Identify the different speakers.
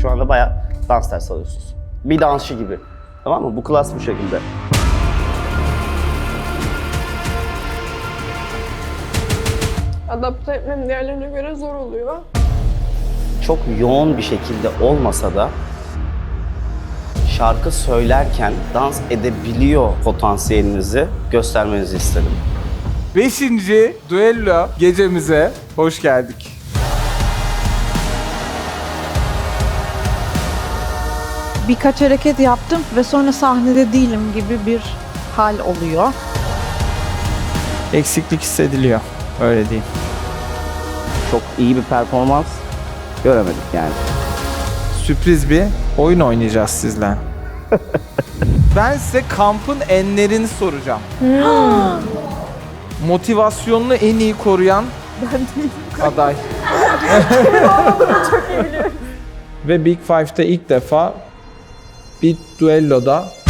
Speaker 1: Şu anda bayağı dans dersi alıyorsunuz. Bir dansçı gibi. Tamam mı? Bu klas bu şekilde.
Speaker 2: Adapte etmem diğerlerine göre zor oluyor.
Speaker 1: Çok yoğun bir şekilde olmasa da şarkı söylerken dans edebiliyor potansiyelinizi göstermenizi istedim.
Speaker 3: 5. düello gecemize hoş geldik.
Speaker 4: Birkaç hareket yaptım ve sonra sahnede değilim gibi bir hal oluyor.
Speaker 3: Eksiklik hissediliyor. Öyle diyeyim.
Speaker 1: Çok iyi bir performans göremedik yani.
Speaker 3: Sürpriz bir oyun oynayacağız sizle. Ben size kampın enlerini soracağım. Motivasyonunu en iyi koruyan aday. Ve Big Five'da ilk defa bir düelloda